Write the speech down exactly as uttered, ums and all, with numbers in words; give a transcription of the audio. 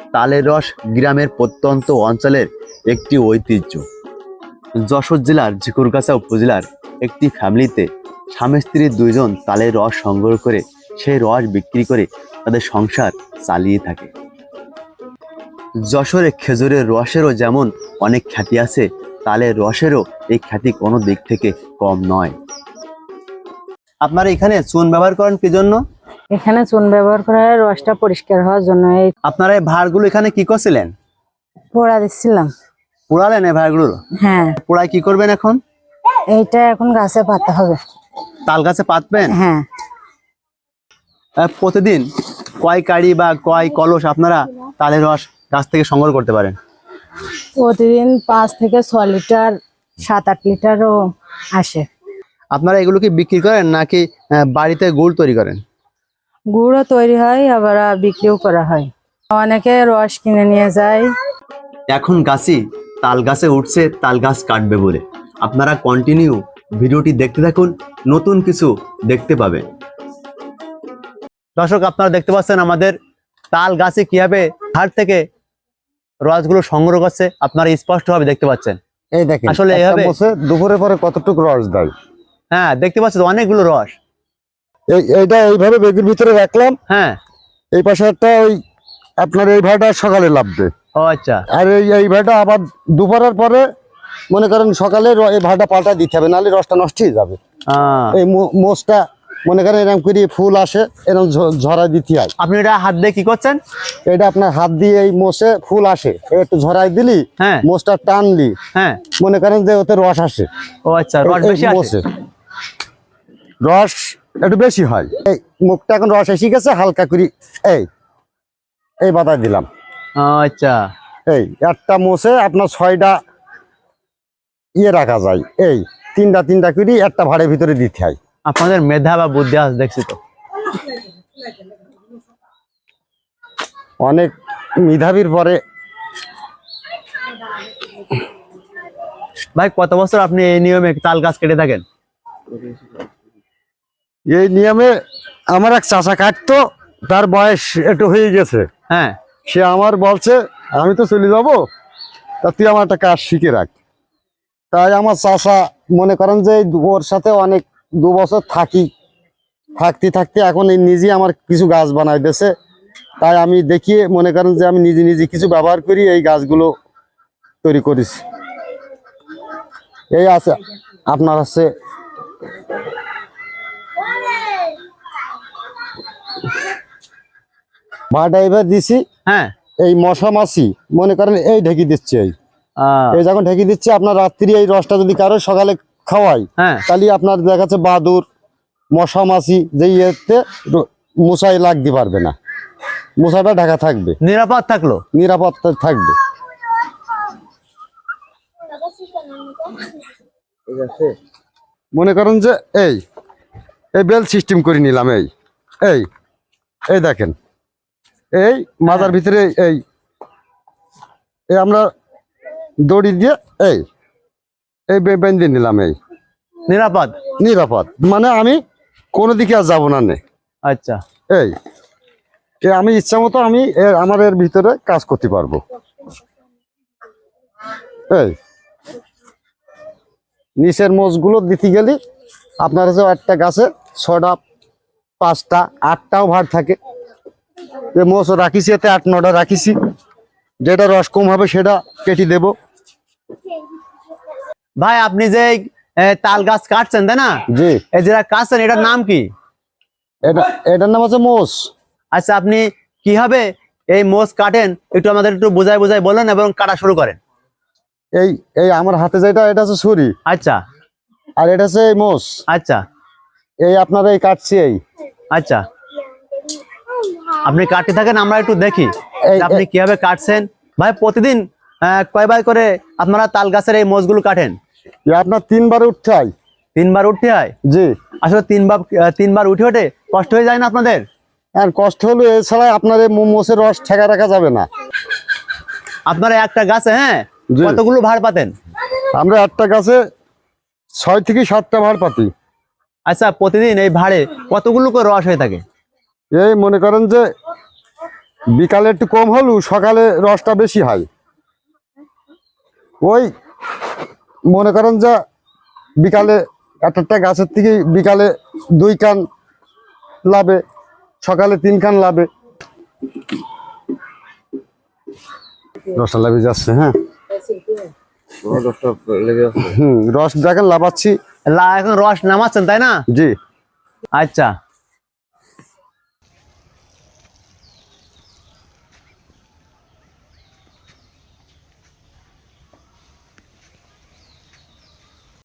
তালের রস গ্রামের প্রত্যন্ত অঞ্চলের একটি ঐতিহ্য। যশোর জেলার ঝিকুরগাছা উপজেলার একটি ফ্যামিলিতে স্বামী স্ত্রী দুইজন তালের রস সংগ্রহ করে সেই রস বিক্রি করে তাদের সংসার চালিয়ে থাকে। যশোরে খেজুরের রসেরও যেমন অনেক খ্যাতি আছে, তালের রসেরও এই খ্যাতি কোনো দিক থেকে কম নয়। আপনারা এখানে চুন ব্যবহার করেন কি জন্য? এখানে চুন ব্যবহার করা হয় রসটা পরিষ্কার হওয়ার জন্য। এই আপনারা এই ভাঁড়গুলো এখানে কি করছিলেন? পোড়া দিচ্ছিলাম। পোড়ালেন এই ভাঁড়গুলো? হ্যাঁ। পোড়ায় কি করবেন এখন? এইটা এখন গাছে পাতা হবে। তাল গাছে পাতবেন? হ্যাঁ। আহ, প্রতিদিন কয় কাড়ি বা কয় কলস আপনারা তালের রস গাছ থেকে সংগ্রহ করতে পারেন? প্রতিদিন পাঁচ থেকে ছ লিটার সাত আট লিটারও আসে। আপনারা এগুলো কি বিক্রি করেন নাকি আহ, বাড়িতে গুড় তৈরি করেন? গুঁড়ও তৈরি হয়, আবার বিক্রিও করা হয়। অনেকে রস কিনে নিয়ে যায়। এখন গাছি তাল গাছে উঠছে তাল গাছ কাটবে বলে। আপনারা কন্টিনিউ ভিডিওটি দেখতে থাকুন, নতুন কিছু দেখতে পাবেন। দর্শক, আপনারা দেখতে পাচ্ছেন আমাদের তাল গাছে কিভাবে ধার থেকে রসগুলো সংগ্রহ করছে, আপনারা স্পষ্টভাবে দেখতে পাচ্ছেন। এই দেখেন আসলে একটা এভাবে মোষে দুপুরে পরে কতটুকু রস দেয়। হ্যাঁ, দেখতে পাচ্ছেন অনেকগুলো রস। এই এইটা এইভাবে বেগের ভিতরে রাখলাম। হ্যাঁ। এই পাশে একটা ওই আপনার এই ভাড়াটা সকালে লাভবে। ও আচ্ছা। আর এই এই ভাড়াটা আবার দুপুরের পরে মনে করেন সকালে র- এই ভাড়াটা পাল্টা দিতে হবে, নাহলে রসটা নষ্ট হয়ে যাবে। আহ, এই মো- মোষটা মনে করেন এরকম করে ফুল আসে, এরকম ঝ- ঝরাই দিতে হয়। আপনি এটা হাত দিয়ে কি করছেন? এটা আপনার হাত দিয়ে এই মোষে ফুল আসে, একটু ঝরাই দিলি, হ্যাঁ। মোষটা টানলি, হ্যাঁ। মনে করেন যে ওতে রস আসে। ও আচ্ছা, রস এই বেশি আসে। মোষে রস একটু বেশি হয়। এই মুখটা এখন রস এসে গেছে, হালকা করে এই এই বাতায় দিলাম। ও আচ্ছা। এই একটা মোষে আপনার ছয়টা ইয়ে রাখা যায়, এই তিনটা তিনটা করে একটা ভাড়ের ভিতরে দিতে হয়। আপনাদের মেধা বা বুদ্ধি আছে দেখছি তো। অনেক মেধাবীর পরে। ভাই, কত বছর আপনি এই নিয়মে তাল গাছ কেটে থাকেন? এই নিয়মে আমার এক চাচা কাটতো, তার বয়স একটু হয়ে গেছে। হ্যাঁ। সে আমার বলছে আমি তো চলে যাব, তা তুই আমার একটা কাজ শিখে রাখ। তাই আমার চাচা মনে করেন যে এই দু- ওর সাথে অনেক দু বছর থাকি, থাকতে থাকতে এখন এই নিজে আমার কিছু গাছ বানাই দিয়েছে। তাই আমি দেখিয়ে মনে করেন যে আমি নিজে নিজে কিছু ব্যবহার করি, এই গাছগুলো তৈরি করেছি। এই আছে আপনার আছে ভাড়া এবার দিছি। হ্যাঁ। এই মশা মাছি মনে করেন এই ঢেকে দিচ্ছে, এই আহ, এই যখন ঢেকে দিচ্ছে আপনার রাত্রি এই রসটা যদি কারো সকালে খাওয়াই, হ্যাঁ। তাহলে আপনার দেখা যাচ্ছে বাদুর মশা মাছি যে ইয়েতে র- মশাই লাগতে পারবে না, মশাটা ঢাকা থাকবে, নিরাপদ থাকলো। নিরাপত্তা থাকবে। মনে করেন যে এই এই বেল সিস্টেম করে নিলাম। এই এই এই দেখেন এই মাজার ভিতরে এই এই আমরা দড়ি দিয়ে এই এই বে- বেঁধে নিলাম। এই নিরাপদ। নিরাপদ মানে আমি কোনো দিকে আর যাবো না নে। আচ্ছা। এই এই আমি ইচ্ছা মতো আমি এ- আমার এর ভিতরে কাজ করতে পারবো। এই নিচের মোষগুলো দিতে গেলে আপনার কাছে একটা গাছে ছটা পাঁচটা আটটাও ভার থাকে। যে মোষ রাখিছি এতে আট নটা রাখিছি, যেটা রস কম হবে সেটা কেটে দেব। ভাই, আপনি যে এই, এ, তাল গাছ কাটছেন তাই না? জি। এই যেটা কাটছেন এটার নাম কি? এটা এটার নাম হচ্ছে মোষ। আচ্ছা, আপনি কিভাবে এই মোষ কাটেন একটু আমাদের একটু বোঝায় বোঝায় বলেন এবং কাটা শুরু করেন। এই এই আমার হাতে যেটা এটা হচ্ছে ছুরি, আচ্ছা। আর এটা হচ্ছে এই মোষ। আচ্ছা। এই আপনার এই কাটছি এই আচ্ছা, আপনি কাটতে থাকেন, আমরা একটু দেখি এই- যে আপনি কিভাবে কাটছেন। ভাই, প্রতিদিন আহ, কয়বার করে আপনারা তাল গাছের এই মোষগুলো কাটেন? এই আপনার তিনবার উঠতে হয়। তিনবার উঠতে হয়? জি। আসলে তিনবার আহ, তিনবার উঠে ওঠে কষ্ট হয়ে যায় না আপনাদের? আর কষ্ট হলো এছাড়া আপনার এই মো- মোষের রস ঠেকা রাখা যাবে না। আপনারা একটা গাছে হ্যাঁ জি। কতগুলো ভাড় পাতেন? আমরা একটা গাছে ছয় থেকে সাতটা ভার পাতি। আচ্ছা, প্রতিদিন এই ভাড়ে কতগুলো করে রস হয়ে থাকে? এই মনে করেন যে বিকালে একটু কম হলেও সকালে রসটা বেশি হয়। ওই মনে করেন যে বিকালে একটা একটা গাছের থেকে বিকালে দুই কান লাভে, সকালে তিন কান লাভে। রসটা লাভে যাচ্ছে। হ্যাঁ, হম রস দেখেন লাভাচ্ছি। লা এখন রস নামাচ্ছেন তাই না? জি। আচ্ছা।